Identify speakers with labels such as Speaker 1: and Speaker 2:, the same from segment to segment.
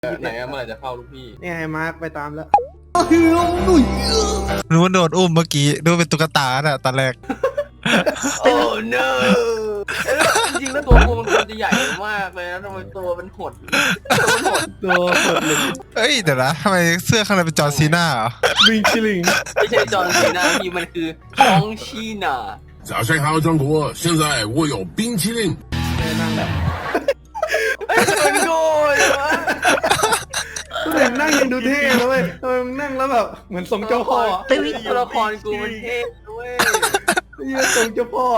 Speaker 1: ไหนอะเมื่อไหร่จะเข้าลูกพี่
Speaker 2: เนี่ยให้มาร์คไปตามแล้ว
Speaker 3: นึกว่าโดนอุ้มเมื่อกี้ดูเป็นตุ๊กตาน่ะตอนแรก
Speaker 1: โอ้ no จริงๆแล้วตัวกูมันควรจะใหญ่มากเลยนะทำไมตัวมันหด
Speaker 2: ตัวกดเลย
Speaker 3: เอ้ยเดี๋ยวนะทำไมเสื้อข้างในเป็นจอร์นซีน่าเหรอ
Speaker 2: บิงชิลิง
Speaker 1: ไม่ใช่จอห์นซีนาพี่มันคือฮองชีนา
Speaker 4: 早上好，中国！现在我有冰淇淋。
Speaker 2: นั่งแบบ
Speaker 1: มันโง่เลยวะ
Speaker 2: ตัวเองนั่งยังดูเท่เลยเว้ยทำไมมึงนั่งแล้วแบบเหมือนทรงเจ้าพ่อ
Speaker 1: ตัวละครกูมันเท่ด้วย
Speaker 2: ยืนทรงเจ้าพ่อ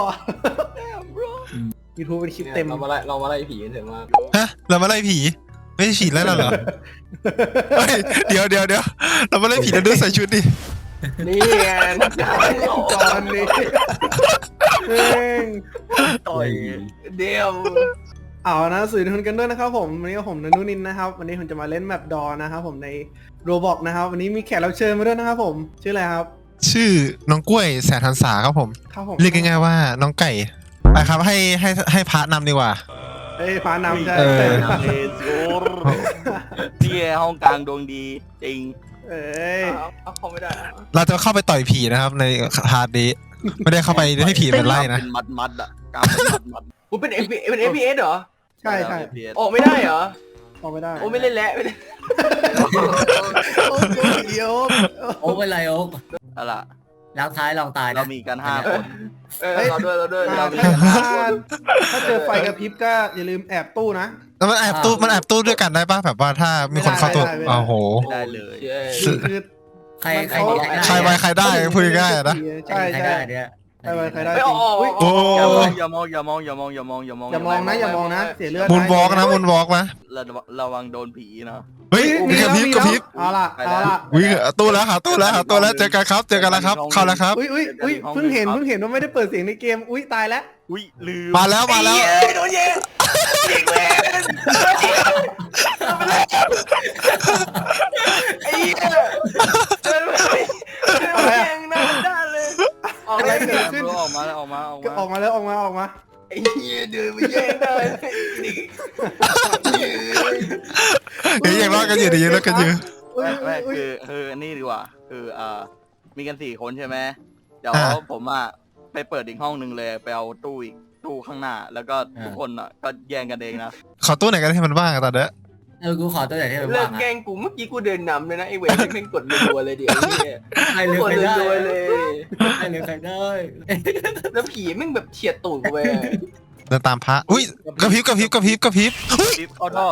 Speaker 2: ยูทูบเป็นคลิปเต็ม
Speaker 1: เรามาไล่ผีกันเถอะมาก
Speaker 3: ฮะเรามาไล่ผีไม่ใช่ผีแล้วเหรอเฮ้ยเดี๋ยวเรามาไล่ผีแล้วดูใส่ชุดดิ
Speaker 1: นี่ไงนักการ
Speaker 2: จอนนี่เอง
Speaker 1: ต่อยเดียว
Speaker 2: เอานะสื่อทุนกันด้วยนะครับผมวันนี้ผมนันนุนินนะครับวันนี้ผมจะมาเล่นแมปดอนะครับผมในโรบอกนะครับวันนี้มีแขกรับเชิญมาด้วยนะครับผมชื่ออะไรครับ
Speaker 3: ชื่อน้องกล้วยแสนทันษาครับผม
Speaker 2: ครับผม
Speaker 3: เรียกง่ายๆว่าน้องไก่ไปครับให้พระนำดีกว่า
Speaker 2: เอ้ยพานำใช่
Speaker 3: เออ
Speaker 5: เลสโกรนี่ห้องกลางดวงดีจริง
Speaker 2: เอ้ย
Speaker 1: เอาเข้าไม่ได้
Speaker 3: เราจะเข้าไปต่อยผีนะครับในพาร์ทนี้ไม่ได้เข้าไปให้ผีเป็นไล่นะ
Speaker 5: เป็นมัดอ่ะกลางเป็นมัด
Speaker 1: กูเป็น FPS เหรอ
Speaker 2: ใช่ใช่
Speaker 1: ออกไม่ได้เหรอ
Speaker 2: ออกไม่ได้
Speaker 1: โอ้ไม่เล่นแล้วไม่เล่น
Speaker 2: โอ้ยเดี๋ยว
Speaker 6: โอ๊กเป็นไรโอ๊ก
Speaker 5: อะไรล่ะ
Speaker 6: แล้วท้ายลองตาย
Speaker 5: เรา
Speaker 6: นะ
Speaker 5: มีกัน5 คน
Speaker 1: เราด้วยเรามี
Speaker 2: ถ้าเจอไฟกระพริบก็อย่าลืมแอบตู้นะ
Speaker 3: แล้วมันแอบตู้ด้วยกันได้ป่ะแบบว่าถ้ามีคนเข้าตัว
Speaker 2: ไม่ได้
Speaker 3: โอ้โห
Speaker 5: ไม่ได้เลย
Speaker 2: คือ
Speaker 6: ใคร
Speaker 3: ใครไวใครได้พูดง่ายๆนะ
Speaker 2: ใช่
Speaker 6: ใคร
Speaker 2: ใช่
Speaker 6: ได้เนี่ย
Speaker 2: ใครไวใครได้
Speaker 1: ไม่
Speaker 2: จ
Speaker 1: อ
Speaker 2: ริง
Speaker 1: อก
Speaker 2: อุ๊ย
Speaker 3: โอ้
Speaker 5: อย่ามองอย่ามองอย่ามองอย่ามองอย่ามองอย่ามอง
Speaker 2: อย่ามองนะเสียเลือด
Speaker 3: มุนวอล์กนะมุนวอล์กนะ
Speaker 5: ระวังโดนผีนะ
Speaker 3: เฮ้ยมีกระพริบกระพริบ
Speaker 2: เอาล่ะ
Speaker 3: วิ่งตู้แล้วหาตู้แล้วเจอกันครับเจอกันแล้วครับเข้าแล้วครับ
Speaker 2: อุ้ยเพิ่งเห็นว่าไม่ได้เปิดเสียงในเกมอุ้ยตายแล้ว
Speaker 5: อุ้ยลืม
Speaker 3: มาแล้ว
Speaker 1: โดนยิงยิงแล้วไอ้เหี้ยเดินไปยิงหน้าด้านเลยออก
Speaker 2: อะไร
Speaker 1: เลย
Speaker 2: เกิดขึ้น
Speaker 5: ออกมาแล้วออกมา
Speaker 2: ก็ออกมาแล้วออกมา
Speaker 1: ไอ้เหี้ยเดินไปแย่งได้
Speaker 3: เฮ้ยยังรอดกันอยู่ดียังรอดกันอยู่
Speaker 5: ไม่คือนี่ดีกว่าคือมีกัน4 คนใช่ไหมเดี๋ยวผมไปเปิดอีกห้องนึงเลยไปเอาตู้อีกตู้ข้างหน้าแล้วก็ทุกคนก็แย่งกันเองนะ
Speaker 3: ขอตู้ไหนกันให้มันบ้างตอนนี้
Speaker 6: กูขอตัวไหนที่มัน
Speaker 1: เลิ
Speaker 6: ว่าก ง
Speaker 1: แกล้งกูเมื่อกี้กูเดินนำเลยนะไอ้เวรแม่งกดรัวเลยเดี๋ยวนี่
Speaker 6: ใครเลือก
Speaker 1: กด
Speaker 6: ใครได้
Speaker 1: รัวเลย
Speaker 6: ใครเลือกใครได้
Speaker 1: แล้วผีแม่งแบบเฉียดตูดกูไป
Speaker 3: เดินตามพระอุ้ยกระพริบอุ้ย
Speaker 5: เข้าท่อ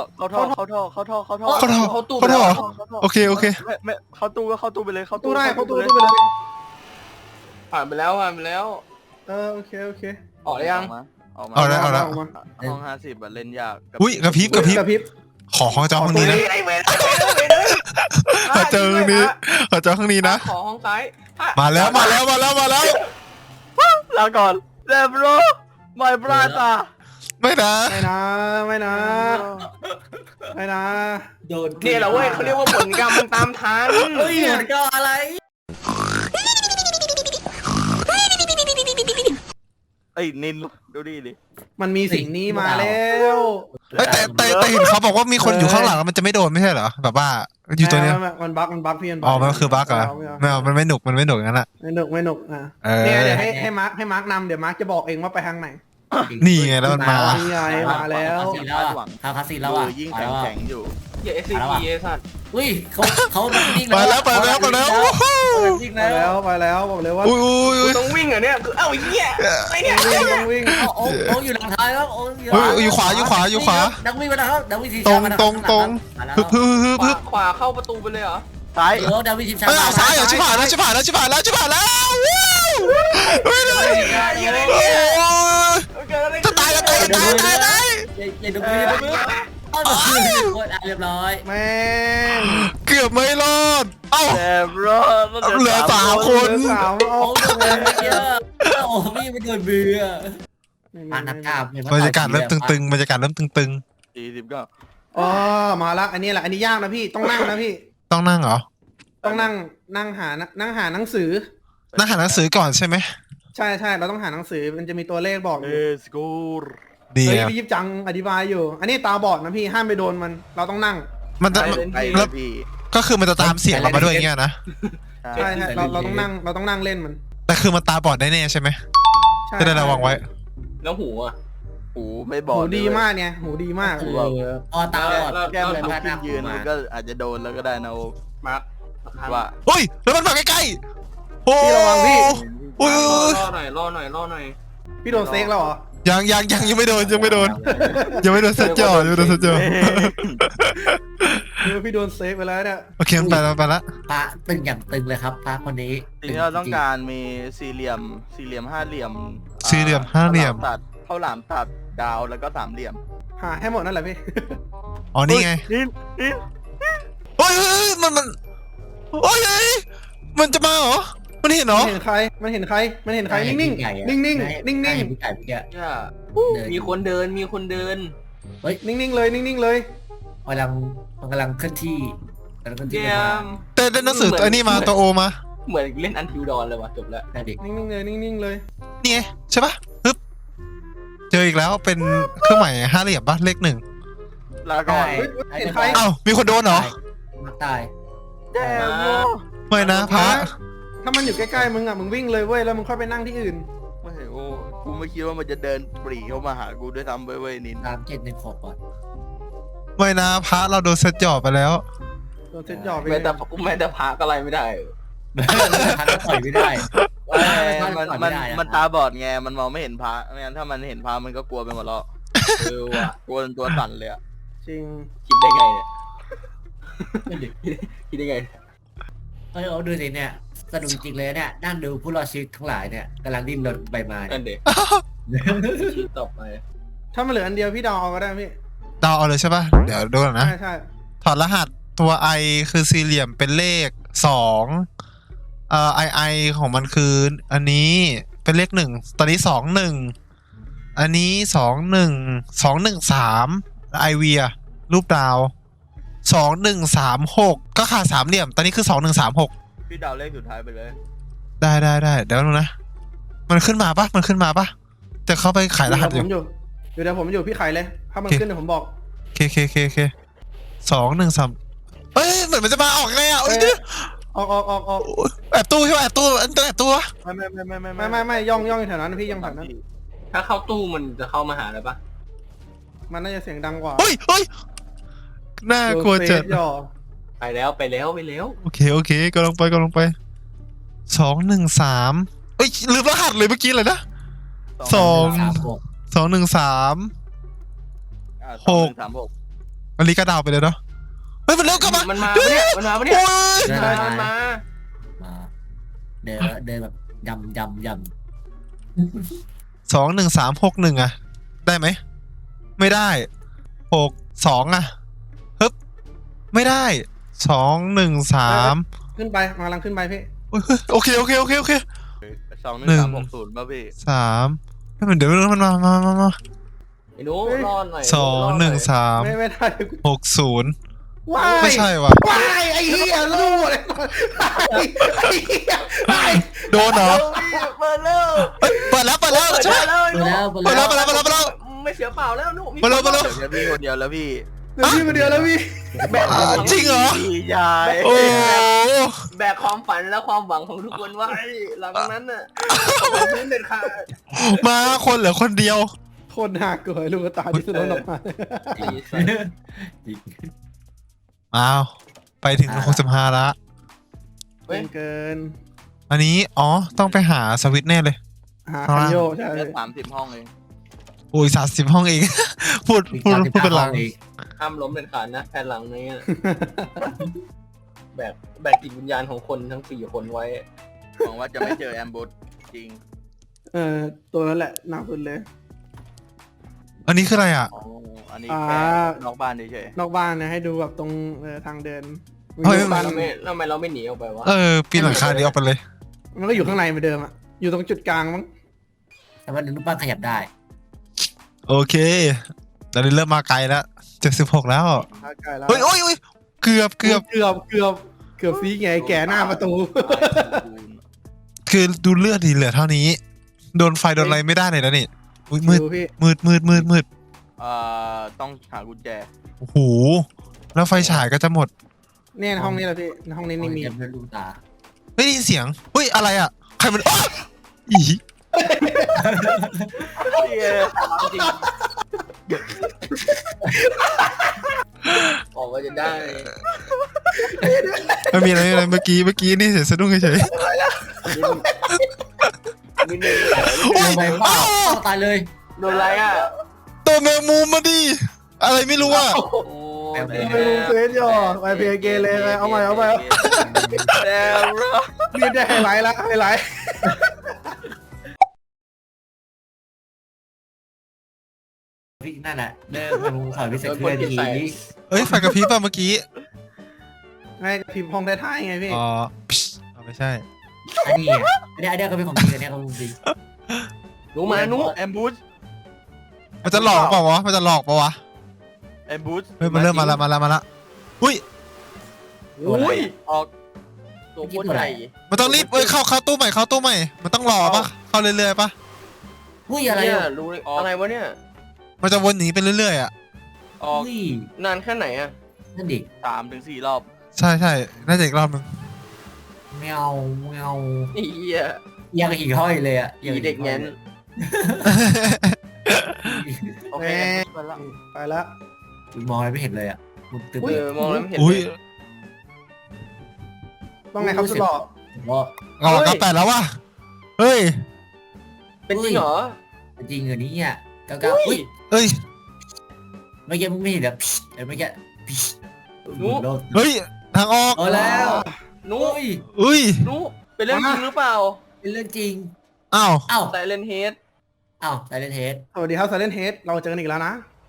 Speaker 3: โอเค
Speaker 5: ไม่เข้าตู้ก็เข้าตู้ไปเลยเข้า
Speaker 2: ตู้ได้เข้าตู้
Speaker 5: เลย
Speaker 2: ไปเลย
Speaker 1: ผ่านไปแล้ว
Speaker 2: โอเค
Speaker 1: ออกได้ยัง
Speaker 5: ออกมา
Speaker 3: เอาแล้ว
Speaker 5: ห้อง50เล่นยาก
Speaker 3: อุ้ยกระพริบ ขอห้องเจ้าห้องนี้นะ
Speaker 1: ไอ้เวร
Speaker 3: ขอเจอห้องนี้นะ
Speaker 1: ขอห้องซ้าย
Speaker 3: มาแล้ว
Speaker 5: ลาก่อนเดบโรไม่ปราตา
Speaker 3: ไม่นะ
Speaker 2: ไม่นะ
Speaker 6: โดน
Speaker 1: เนี่ยเหรอเว้ยเขาเรียกว่าผลกรรมมันตามทัน
Speaker 6: เฮ้ยมันก็อะไร
Speaker 5: ไอ้นินดูดิ
Speaker 2: มันมีสิ่งนี้มาแล้ว
Speaker 3: แต่เห็นเขาบอกว่ามีคนอยู่ข้างหลังมันจะไม่โดนไม่ใช่เหรอแบบว่าอยู่ตัวเนี้ย
Speaker 2: มันบั๊กพี่
Speaker 3: อ๋อมันคือบั๊กเหรอไม่เอามันไม่หนุกงั้นอ่ะ
Speaker 2: ไม่หนุกอ่ะ
Speaker 3: เนี่ย
Speaker 2: เดี๋ยวให้มาร์คนำเดี๋ยวมาร์คจะบอกเองว่าไปทางไหน
Speaker 3: นี่ไงแล้วมันมา
Speaker 2: นี่ไงมาแล้ว
Speaker 6: ทางคาสิแล้วอ่ะ
Speaker 5: ยิ่งแข็งอยู่
Speaker 1: อย่า SCP ไอ้สัตว์
Speaker 6: อุ้ยเขาดิ้ง
Speaker 3: ไปแล้ว
Speaker 2: ไปแล้วบอกเลยว่า
Speaker 3: อุ้ย
Speaker 1: ต้องวิ่งเหรอเนี่ยคือเอ้าเหี้ยไอ้เนี่ย
Speaker 2: ต้องวิ่ง
Speaker 6: โอ๊กอยู่หลังท้ายแล้วโอ๊ก
Speaker 3: อยู่ขวา
Speaker 6: ดังวิ่งมานะครับดังวิ่งที
Speaker 3: ตรงฮึบ
Speaker 1: ขวาเข้าประตูไปเลยเหรอ
Speaker 5: ซ้าย
Speaker 6: โอ๊กดังวิ่งทีมชา
Speaker 3: เฮ้ยซ้ายเหรอชิบหายแล้วจะตาย
Speaker 6: อย่าดูมืออย่าดูมือเรียบร้อย
Speaker 2: แม่ง
Speaker 3: เกือบไม่รอดเอ้า
Speaker 5: เดบโร
Speaker 3: เหลือ3 คน
Speaker 2: สาวเอา
Speaker 6: โอ๊กโดนเยอะโอ้พี่ไม่โดนเบื่อนักกาบบ
Speaker 3: รรยากาศเริ่มตึง
Speaker 5: 40ก็
Speaker 2: อ๋อมาละอันนี้แหละอันนี้ยากนะพี่ต้องนั่งนะพี่
Speaker 3: ต้องนั่งเหรอ
Speaker 2: ต้องนั่งหาหนังสือ
Speaker 3: นั่งหาหนังสือก่อนใช่ไหม
Speaker 2: ใช่เราต้องหาหนังสือมันจะมีตัวเลขบอกอ
Speaker 5: เอยู่ สกูร
Speaker 3: ดี
Speaker 2: เฮ้ย
Speaker 3: อ่ะ
Speaker 2: พี่ยิบจังอธิบายอยู่ อันนี้ตาบอดนะพี่ห้ามไปโดนมันเราต้องนั่ง
Speaker 3: มันจะ
Speaker 5: ไป
Speaker 3: แล้
Speaker 5: แล้ว วพี่
Speaker 3: ก็คือมันจะตามเสียงเรามาด้วยอย่างเงี้ยนะ
Speaker 2: ใช่เราต้องนั่งเล่นมัน
Speaker 3: แต่คือมันตาบอดได้แน่ใช่ไหม
Speaker 2: ใช่
Speaker 3: จะได้ระวังไว้
Speaker 1: แล้วหูอ่ะ
Speaker 5: หูไม่บอ
Speaker 2: หู
Speaker 5: ด
Speaker 2: ดีมากเนี่ยหูดีมาก
Speaker 6: คือพอตาบอด
Speaker 5: แก้ม
Speaker 6: เลย
Speaker 5: ลุก
Speaker 6: พาห
Speaker 5: ขึ้
Speaker 6: น้าน
Speaker 5: ยืน
Speaker 6: มา
Speaker 5: มันก็อาจจะโดนแล้วก็ได้นะโอ๊ค
Speaker 1: มาร์ค
Speaker 5: ว่า
Speaker 3: เฮ้ยแล้วมันมาใกล้ๆโอ้
Speaker 2: พี่ระวังพี่
Speaker 3: โอ้ย
Speaker 1: ล่อหน่อยล่อหน่อยล่อหน่อย
Speaker 2: พี่โดนเซ็กแล้วเหรอ
Speaker 3: ยังไม่โดนยังไม่โดนเซตจอยังไม่โดนเซตจอ
Speaker 2: พี่โดนเซ็กไปแล้วเนี่ย
Speaker 3: โอเคมันไปแล้วไปแล้ว
Speaker 6: พระตึงอย่างตึงเลยครับพระคนนี้
Speaker 5: สิ่งที่เราต้องการมีสี่เหลี่ยมห้าเหลี่ยม
Speaker 3: สี่เหลี่ยมห้าเหลี่ยม
Speaker 5: ข้าวหลามตัดดาวแล้วก็สามเหลี่ยม
Speaker 2: หาให้หมดนั่นแหละพี่
Speaker 3: อ๋อนี่ไง
Speaker 5: นี่
Speaker 3: เฮ้ยมันโอ้ยมันจะมาเหรอมันเห็นเหรอ
Speaker 2: มันเห็นใครมันเห็นใครนิ่งๆนิ่งๆนิ่งๆนิ่ง
Speaker 6: ได้เห็นผู้ใหญ่เมื่อกี้
Speaker 1: ย่า
Speaker 6: เดิน
Speaker 1: มีคนเดินมีคนเดิน
Speaker 2: ๆนิ่งๆเลยนิ่งๆเลย
Speaker 6: มันกำลังเคลื่อนที่กำลังเคลื่อนที่
Speaker 1: เยี่
Speaker 6: ไป
Speaker 1: ย
Speaker 6: มาม
Speaker 3: แต่ได้หนังสือตัวนี้มาตัวโอมา
Speaker 1: เหมือนเล่นอันทิวดอนเลยว่ะจบแล้ว
Speaker 6: ได้ดิ
Speaker 2: นิ่งๆเลยนิ่งๆเลย
Speaker 3: นี่ไงใช่ปะปึ๊บเจออีกแล้วเป็นเครื่องหมายห้าเหลี่ยมปะเลขหนึ่ง
Speaker 5: ลาก่อน
Speaker 2: เห็นใคร
Speaker 3: อ้าวมีคนโดนเหรอ
Speaker 6: มักตาย
Speaker 5: แย่โม
Speaker 3: ไม่นะพระ
Speaker 2: ถ้ามันอยู่ใกล้ๆมึงอ่ะมึงวิ่งเลยเว้ยแล้วมึงค่อยไปนั่งที่อื่น
Speaker 5: ไม่โอ้กูไม่คิดว่ามันจะเดินปรีเข้ามาหากูด้วยซ้ำเว้ยนิน
Speaker 6: 3716ก่อน
Speaker 3: ไม่นะพระเราโดนเซตจอบไปแล้ว
Speaker 2: โดนเซ็ตหยอไป
Speaker 1: แม้แต่พาก็อะไรไม่ได้
Speaker 6: พักก็ต่อยไม่ได้
Speaker 5: มันตาบอดไงมันมองไม่เห็นพระไม่งั้นถ้ามันเห็นพระมันก็กลัวไปหมดแล้ว
Speaker 1: ว่ะ
Speaker 5: กลัวจนตัวสั่นเลยอะ
Speaker 2: จริง
Speaker 1: คิดได้ไงเนี่ยคิดได้ไง
Speaker 6: เอาดูสิเนี่ยสนุกจริงเลยเนี่ยนั่งดูผู้รอดชีวิตทั้งหลายเนี่ยกำลังดิ้นรนไปมา
Speaker 1: นั่นเด็กชีวิตต่อไป
Speaker 2: ถ้ามันเหลืออันเดียวพี่ดาวเอาก็ได้พี่
Speaker 3: เดาเอาเลยใช่ปะเดี๋ยวดูก่อนนะ
Speaker 2: ใช่
Speaker 3: ถอดรหัสตัว i คือสี่เหลี่ยมเป็นเลข2i ของมันคืออันนี้เป็นเลข1ตอนนี้21อันนี้213ไอเวียรูปดาว2136ก็ขาด3เหลี่ยมตอนนี้คือ2136
Speaker 5: พี่ดาวเลขสุดท้ายไปเลย
Speaker 3: ได้เดี๋ยวดูนะมันขึ้นมาปะจะเข้าไปขายรหัสอยู่
Speaker 2: เดี๋ยวผมอยู่พี่ไข่เลยถ้ามันขึ้นเดี๋ยวผมบอก
Speaker 3: เค213เอ้ยเหมือนมันจะมาออกไงอ่ะ
Speaker 2: ออก
Speaker 3: แอบตู้ใช่ไหมแอบตู้อันตัวแอบตู้
Speaker 2: ไม่ย่องแถวนั้นพี่ย่องแถวนั้น
Speaker 1: ถ้าเข้าตู้มันจะเข้ามาหาอะไรปะ
Speaker 2: มันน่าจะเสียงดังกว่า
Speaker 3: เฮ้ยน่ากลัวจัด
Speaker 2: หยอ
Speaker 1: ไปแล้ว
Speaker 3: โอเคกำลังไป213เอ้ยลืมรหัสเลยเมื่อกี้เลยนะ213
Speaker 5: 236
Speaker 3: อันนี้ก็ดาวไปเลยเนาะเฮ้ยมันเร็วกลับมา
Speaker 1: มันมาปะเนี่ย
Speaker 3: โอ้ย
Speaker 6: เดิน
Speaker 1: มันมา
Speaker 6: มาเดินแบบยำ
Speaker 3: 21361อ่ะได้ไหมไม่ได้62อ่ะฮึบไม่ได้213
Speaker 2: ขึ้นไปกำลังขึ้นไปพี่
Speaker 3: โอเค
Speaker 5: 2160ป่ะพี่
Speaker 3: 3ไม่เหมือนเดี๋ยวมันมา
Speaker 1: ไอ้หนูรอหน่อย
Speaker 3: 213
Speaker 2: ไม่ได้
Speaker 3: 60
Speaker 2: ว้าย
Speaker 3: ไม่ใช่ว่ะ
Speaker 2: ว้ายไอ้เหี้ยรู้หมดเลยไอ้เหี้ย
Speaker 3: โดนเหรอ
Speaker 1: เปิดแล้ว
Speaker 3: เฮ้ยเปิดแล้วใช่ไหม
Speaker 6: ๆไปแล้ว
Speaker 3: เปิดแล้ว
Speaker 1: ไม่เสียเปล่าแล้วหนู
Speaker 3: มาเร็ว
Speaker 5: เดี๋ยวพี่คนเดียวแล้วพี่
Speaker 2: เดี๋ยวพี่มาเดียวแล้วพี่
Speaker 3: จริงเหรอ
Speaker 5: พี่ยาย
Speaker 3: โอ้
Speaker 1: แบกความฝันและความหวังของทุกคนไว้หลังนั้นน่ะพื้นเด็ดขาด
Speaker 3: มาคนเหลือคนเดียว
Speaker 2: คนหักเกิดลูกตาที่สุดออกมา
Speaker 3: อ้าวไปถึง65ละ
Speaker 2: เกิน
Speaker 3: อันนี้ต้องไปหาสวิตช์แน่เลย
Speaker 2: หาคันโยใช่
Speaker 5: แค่30 ห้องเอง
Speaker 3: โอ้ย30 ห้องเอง พูดเป็นหลัง
Speaker 1: ห้ามล้มเด็ดขาดนะแผ่นหลังนี้แบกจิตวิญญาณของคนทั้ง4 คนไว้
Speaker 5: หวังว่าจะไม่เจอแอมบูสจริง
Speaker 2: ตัวนั้นแหละหนักสุดเลย
Speaker 3: อันนี้คืออะไรอ่ะ
Speaker 5: อ๋ออันนี้แค่นอกบ้านเฉย
Speaker 2: นอกบ้านนะให้ดูแบบตรงทางเดิน
Speaker 3: เฮ้ย
Speaker 1: ทำไมเราไม่หนีออกไปวะ
Speaker 3: ปีนหลังคานี้ออกไปเลย
Speaker 2: มันก็อยู่ข้างในเหมือนเดิมอะอยู่ตรงจุดกลางมั้ง
Speaker 6: แต่ว่ารูปบ้านขยับได้
Speaker 3: โอเคตอนนี้เริ่มมาไกลแล้ว76แล้ว
Speaker 2: ใกล้แล้ว
Speaker 3: เฮ้ยโอ้ยเกือบ
Speaker 2: ซีไงแกหน้าประตู
Speaker 5: ๆ
Speaker 3: คือดูเลือดดีเหลือเท่านี้ โดนไฟโดนอะไรไม่ได้เลยนะนี่อุ๊ยมืด
Speaker 2: พี่
Speaker 3: มืด
Speaker 5: ต้องหากุญแจ
Speaker 3: โอ้โหแล้วไฟฉายก็จะหมด
Speaker 2: เนี่ยในห้องนี้แหละพี่ในห้องนี้นี่มี
Speaker 6: เก็บด้วยลูกตา
Speaker 3: เฮ้ยได้ยินเสียงเฮ้ยอะไรอ่ะใครมันอ๊ะอี
Speaker 1: จริงออกมาจะได้
Speaker 3: ไม่มีอะไรเมื่อกี้นี่เสียงสะดุ้งเฉย
Speaker 1: นิดนึง
Speaker 3: ๆโอ้ย
Speaker 6: ไปเปล่า
Speaker 3: อ้าว
Speaker 6: ตายเลย
Speaker 1: โดนอะไรอ่ะ
Speaker 3: ตัวแมงมุมมาดิอะไรไม่รู้อ่ะ
Speaker 1: โอ้
Speaker 2: ไม่รู้เฟสย่อไปเพย์เกเลย เอาใหม่เอาใหม่
Speaker 1: แล้วรอ
Speaker 2: นี่ได้ไฮไลท์ละไฮไลท์
Speaker 6: พี่นั่นแหละเดินมาภูเขาพิเศษเคลื่อนที่
Speaker 3: เอ้ยไฟกระพริบป่ะเมื่อกี้
Speaker 2: ไม่พิมพ์ห้องท้ายๆไงพี่
Speaker 3: อ๋อเอาไม่ใช่
Speaker 6: อันนี้อันนี้ก็เป็นของจริงอันนี้ของจริง
Speaker 1: หนูมาหนู
Speaker 5: แอมบูส
Speaker 3: มันจะหลอกเปล่าวะมันจะหลอกเปล่าวะ
Speaker 5: แอมบูส
Speaker 3: เฮ้ยมันเริ่มมาละอุ้ย
Speaker 5: อุ้ยออก
Speaker 1: ตัวโคตรใหญ่
Speaker 3: มันต้องรีบเข้าตู้ใหม่มันต้องรอปะเข้าเรื่อยๆปะ
Speaker 6: อุ้ยอะไร
Speaker 1: เนี่ย
Speaker 6: อ่ะ
Speaker 1: รู้อะไรวะเนี่ย
Speaker 3: มันจะวนหนีไปเรื่อยๆอ่ะ
Speaker 5: ออก
Speaker 6: อุ้ย
Speaker 1: นานแค่ไหนอ่ะ
Speaker 6: นั่นดิ
Speaker 5: 3 ถึง 4 รอบ
Speaker 3: ใช่น่าจะอีกรอบนึง
Speaker 6: แมวแมว
Speaker 1: ไอ้เหี้ย
Speaker 6: ยังหิ่งห้อยเลยอ่ะ
Speaker 1: อีเด็กแง้นโอเคไปละ
Speaker 2: ไปแล้ว
Speaker 6: มองอะไรไม่เห็นเลยอ่ะมุดตึ๊บ
Speaker 1: มองแล้วเห็น
Speaker 3: อุ้ย
Speaker 2: ต้องไงครับสุดหล่อ
Speaker 6: ว่า
Speaker 3: อ๋อ98แล้ววะเฮ้ย
Speaker 1: เป็นจริงเหรอ
Speaker 6: จริงเหรอนี่อ่ะก้าอุ้ย
Speaker 3: เอ้ย
Speaker 6: เมื่อกี้มึงไม่เห็นแบบเมื่อกี้
Speaker 3: เฮ้ยทางออก
Speaker 6: เอาแล้ว
Speaker 1: หนู
Speaker 6: อุ้ย
Speaker 3: อุ้ย
Speaker 1: หนูเป็นเรื่องจริงหรือเปล่า
Speaker 6: เป็นเรื่องจริง
Speaker 3: อ้าว
Speaker 6: อ้าว
Speaker 1: แต่เลนเฮด
Speaker 6: อ้าวไซเลนเทส
Speaker 2: สวัสดีครับไซเลนเฮดเราเจอกันอีกแล้วนะ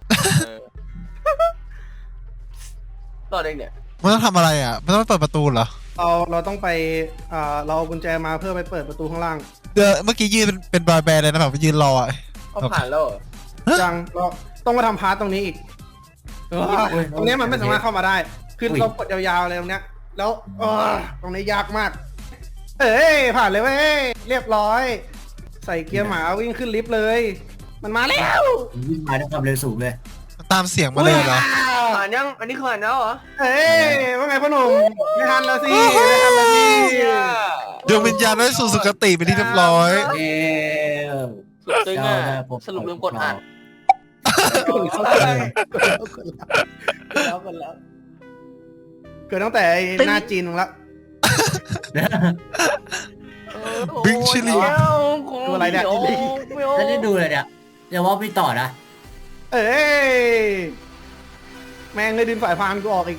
Speaker 1: ต่อเด็กเนี่ย
Speaker 3: มันต้องทำอะไรอ่ะมันต้องเปิดประตูเหรอ
Speaker 2: เราต้องไปเราเอากุญแจมาเพื่อไปเปิดประตูข้างล่าง
Speaker 3: เมื่อกี้ยืนเป็นบอยแบนด์เลยนะแบบยืนรออ่ะ
Speaker 1: เขาผ่านแล้วเหรอ
Speaker 2: จังเราต้องมาทำพาร์ตตรงนี้อีกตรงนี้มันไม่สามารถเข้ามาได้ คือเรากดยาวๆเลยตรงเนี้ย แล้วตรงนี้ยากมาก เอ้ยผ่านเลยเว้ยเรียบร้อย ใส่เกียร์หมาวิ่งขึ้นลิฟต์เลย มันมาแล้ว
Speaker 6: วิ่งมาด้วยความเร็วสูงเลย
Speaker 3: ตามเสียงมาเลยเหรอ
Speaker 1: ผ่านยังอันนี้คือผ่านแล้วเหรอ
Speaker 2: เอ้ยว่าไงพ่อหนุ่มไม่ทันแล้วสิไม่ทันแล้วสิ
Speaker 3: ดวงวิญญาณได้สู่สุคติเป็นที่เรียบร้อย
Speaker 6: เอ้
Speaker 1: สุดตึงอ่ะสรุปลืมกดอ่าน
Speaker 2: เกิดตั้งแต่หน้าจีนมึงละ
Speaker 3: บิ๊กชิลลี่
Speaker 2: ตัวอะไรเนี่ย
Speaker 6: แล้วได้ดูเลยเนี่ยเดี๋ยวว่าไม่ต่อนะ
Speaker 2: เอ้ยแม่งเลยดินสายพานกูออกอีก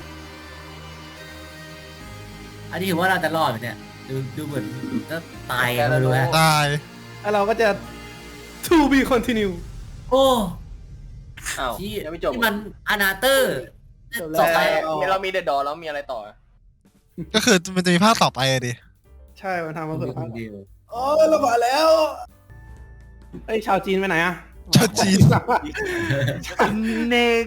Speaker 6: อันนี้ถือว่าเราจะรอดไหมเนี่ยดูเหมือนก็ตายกันไม่รู้ฮะ
Speaker 3: ตาย
Speaker 2: แล้วเราก็จะ to be continue
Speaker 6: โอ้
Speaker 1: อ้าว
Speaker 6: ที่
Speaker 1: ยังไม่จบ
Speaker 6: ที่มันอนาเตอร์
Speaker 2: จบแล้ว
Speaker 6: ต่อไป
Speaker 1: เรามีเดดดอแล้วมีอะไรต่อ
Speaker 3: ก็คือมันจะมีภาคต่อไปอะดิ
Speaker 2: ใช่มันทำมาเผื่อ
Speaker 6: เดียว
Speaker 2: โอ้ยเราผ่านแล้วไอ้ยชาวจีนไปไหนอะ
Speaker 3: ชาวจีน
Speaker 1: เนก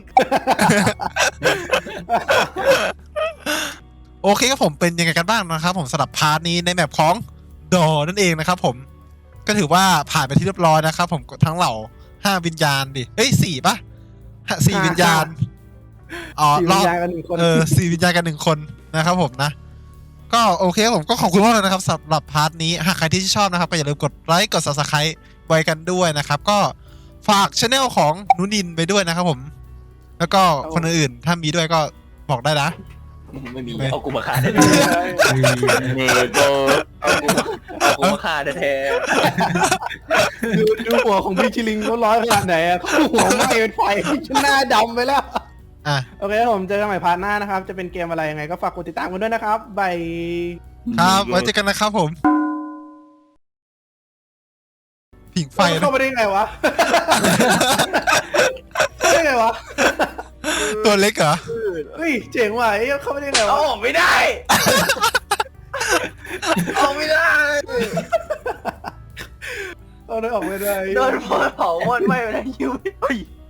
Speaker 3: โอเคครับผมเป็นยังไงกันบ้างนะครับผมสำหรับพาร์ทนี้ในแมปของดอนั่นเองนะครับผมก็ถือว่าผ่านไปที่เรียบร้อยนะครับผมทั้งเหล่า5 วิญญาณดิเอ้ย4 ป่ะ4 วิญญาณอ๋อ
Speaker 2: สี่
Speaker 3: ร
Speaker 2: วิ
Speaker 3: อ
Speaker 2: ญ
Speaker 3: บ
Speaker 2: ญาณกัน1 คน
Speaker 3: 4 วิญญาณกัน1 คนนะครับผมนะก็โอเคครับผมก็ขอบคุณมากเลยนะครับสำหรับพาร์ทนี้หากใครที่ชอบนะครับก็อย่าลืมกดไลค์กด Subscribe ไว้กันด้วยนะครับก็ฝากช anel ของนุนินไปด้วยนะครับผมแล้วก็คนอื่นๆถ้ามีด้วยก็บอกได้นะ
Speaker 1: ไม่มีเอากูมาฆ่าแท้เนโกเอากูมาฆ่าแท้
Speaker 2: ดูหัวของพี่ชิลิงเขาร้อยขนาดไหนอะเขาหัวไหม้เป็นไฟหน้าดำไปแล้ว
Speaker 3: อ่ะ
Speaker 2: โอเคครับผมเจอกันใหม่พาร์ทหน้านะครับ จะเป็นเกมอะไรยังไงก็ฝากกดติดตามกันด้วยนะครับบาย
Speaker 3: ครับไว้เจอกันนะครับผมผิงไฟนะ
Speaker 2: เข้าไปได้ไงวะ ได้ไงวะ
Speaker 3: ตัวเล็กเหรอ
Speaker 2: เฮ้ยเจ๋งว่ะเอ้ยเข้าไปได้ไง
Speaker 1: เอา
Speaker 2: วะ
Speaker 1: ออกไม่ได้ออกไม่ได้
Speaker 2: เอาได้ออกไม่ได้
Speaker 1: โดนเผาหมดไหม้ไปแล้วยิ้ว